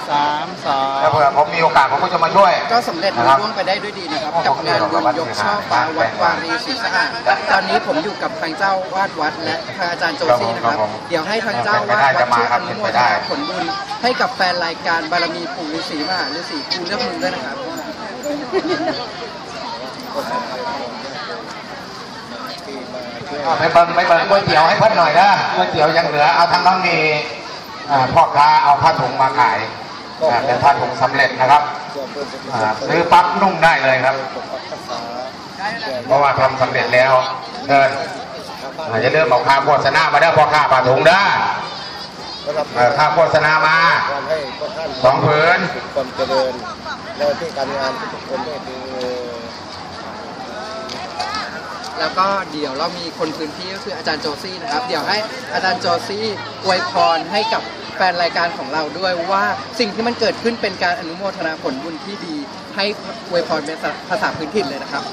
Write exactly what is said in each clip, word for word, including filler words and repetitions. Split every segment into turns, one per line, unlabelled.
สามสอง
ถ้าเผื่อผมมีโอกาสผมก็จะมาช่วย
ก็สำเร็จรุ่ร่วงไปได้ด้วยดีนะครับกับงานบุญยกช่อฟ้าวัดวารีศรีสะอาดตอนนี้ผมอยู่กับทางเจ้าวาดวัดและทางอาจารย์โจซี่นะครับเดี๋ยวให้ทางเจ้าวาดวัดช่วยอนุโมทนาผลบุญให้กับแฟนรายการบารมีปู่ฤาษีมหาฤาษีกูเลือกมึงด้วยนะครับ
ไปเบิ้งไปเบิ้งก๋วยเตี๋ยวให้เพิ่นหน่อยนะก๋วยเตี๋ยวยังเหลือเอาทางน้องมีพ่อค้าเอาผ้าถุงมาขายเป็นผ้าถุงสำเร็จนะครับซื้อปั๊บนุ่งได้เลยครับเพราะว่าทำสำเร็จแล้วเดินจะเริ่มเอาค่าโฆษณามาได้พอค่าผ้าถุงได้ค่าโฆษณามาสองผืน
ความเจริญแล้วที่การงานทุกคนได้ดี
แล้วก็เดี๋ยวเรามีคนพื้นที่ก็คืออาจารย์โจซี่นะครับเดี๋ยวให้อาจารย์โจซี่อวยพรให้กับแฟนรายการของเราด้วยว่าสิ่งที่มันเกิดขึ้นเป็นการอนุโมทนาผลบุญที่ดีให้อวยพรเป็นภาษาพื้นถิ่นเลยนะครับ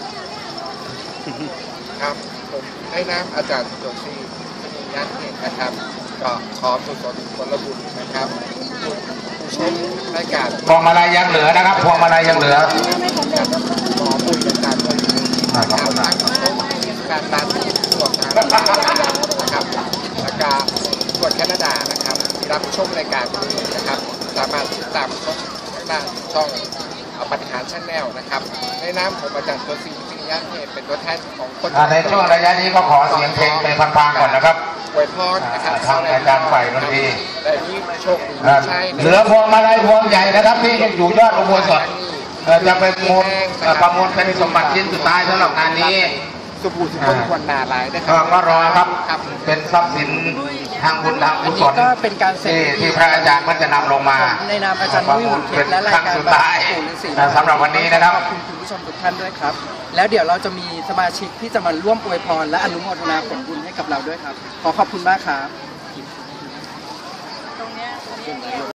ครับผมให้น้ำอาจารย์โจซี่มีงานเองนะครับก็ขอสุขสุขผลบุญนะครับชมรายการ
พวงมาลัยยังเหลือนะครับพวงมาลัยยังเหลือ
ขอบุญรายการด้วยนะครับการตามตรวจการนะครับแล้วก็ตรวจแคนาดานะครับรับชมรายการนี้นะครับสามารถติดตามช่องทางช่องปฏิหารชั้นแนวนะครับในนามของอาจารย์ตัวซีพิยะเทพเป็นตัวแทนของคน
ในช่วงระยะนี้ก็ขอเสียงเพลงไปพังๆก่อนนะครับ
อวยพรนะครับ
ทางอาจารย์ฝ่ายดนตรี
แต่นี้โชคดีใช่
เหลือพวงมาลัยพวงใหญ่นะครับที่อยู่ยอดอุโบสถจะไปประมูลประมูลเป็นสมบัติชิ้นสุดท้ายสำหรับงานนี้
สุภูสุคนควรนาลายนะครับ
ก็รอครับเป็นทรัพย์สินทางบุญทางกุศล
ก็เป็นการเซ็น
ที่พระอาจารย์มันจะนำลงมา
ในนามอาจารย์มุ่งเป็นและรายการ
สุดท้ายสำหรับวันนี้นะครับ
ขอบคุณคุณผู้ชมทุกท่านด้วยครับแล้วเดี๋ยวเราจะมีสมาชิกที่จะมาร่วมอวยพรและอนุโมทนาผลบุญให้กับเราด้วยครับขอขอบคุณมากครับ